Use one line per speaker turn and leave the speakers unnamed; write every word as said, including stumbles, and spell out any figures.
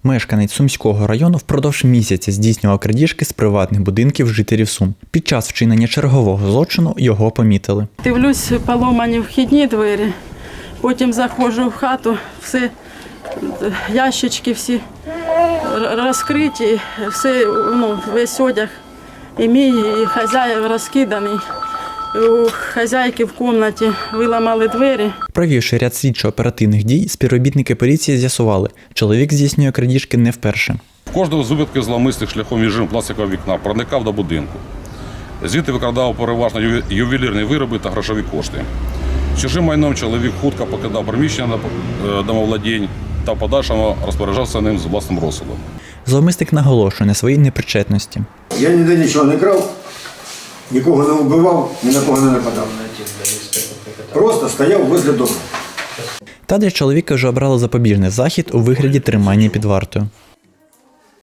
Мешканець Сумського району впродовж місяця здійснював крадіжки з приватних будинків жителів Сум. Під час вчинення чергового злочину його помітили.
Дивлюсь, поломані вхідні двері, потім заходжу в хату, все, ящички всі розкриті, все, ну, весь одяг і мій, і хазяїв розкиданий. У хазяйки в кімнаті виламали двері.
Провівши ряд слідчо-оперативних дій, співробітники поліції з'ясували, чоловік здійснює крадіжки не вперше.
В кожного з випадків зловмисних шляхом віджиму пластикового вікна проникав до будинку. Звідти викрадав переважно ювелірні вироби та грошові кошти. З чужим майном чоловік хутко покидав приміщення домовладінь та в подальшому розпоряджався ним з власним розсудом.
Зловмисник наголошує на своїй непричетності.
Я ніде нічого не крав, нікого не вбивав, ні на кого не нападав. Просто стояв возле дому.
Та для чоловіка вже обрали запобіжний захід у вигляді тримання під вартою.